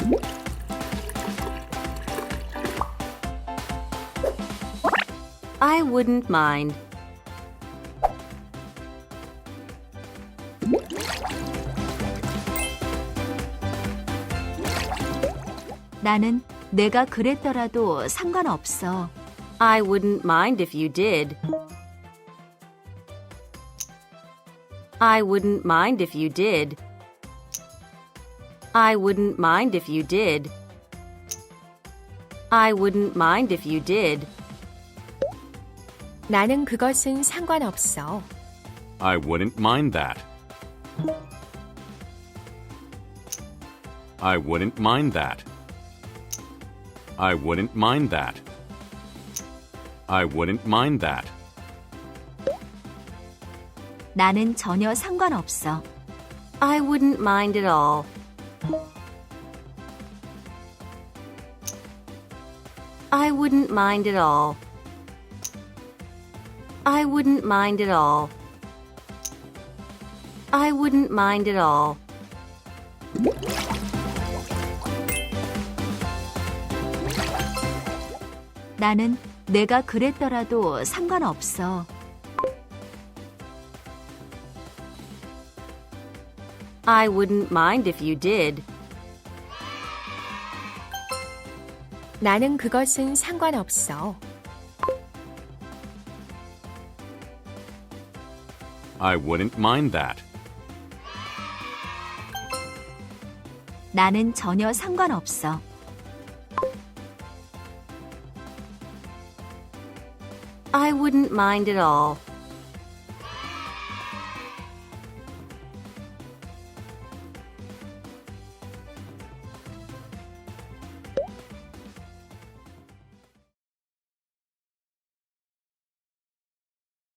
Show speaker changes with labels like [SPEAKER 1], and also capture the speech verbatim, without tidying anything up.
[SPEAKER 1] I wouldn't mind.
[SPEAKER 2] 나는 내가 그랬더라도 상관없어.
[SPEAKER 1] I wouldn't mind if you did. I wouldn't mind if you did. I wouldn't mind if you did. I wouldn't mind if you did.
[SPEAKER 2] 나는 그것은 상관없어.
[SPEAKER 3] I wouldn't mind that. I wouldn't mind that. I wouldn't mind that. I wouldn't mind that.
[SPEAKER 2] 나는 전혀 상관없어.
[SPEAKER 1] I wouldn't mind at all. I wouldn't mind at all. I wouldn't mind at all. I wouldn't mind at all.
[SPEAKER 2] 나는 내가 그랬더라도 상관없어.
[SPEAKER 1] I wouldn't mind if you did.
[SPEAKER 2] 나는 그것은 상관없어.
[SPEAKER 3] I wouldn't mind that.
[SPEAKER 2] 나는 전혀 상관없어.
[SPEAKER 1] I wouldn't mind at all.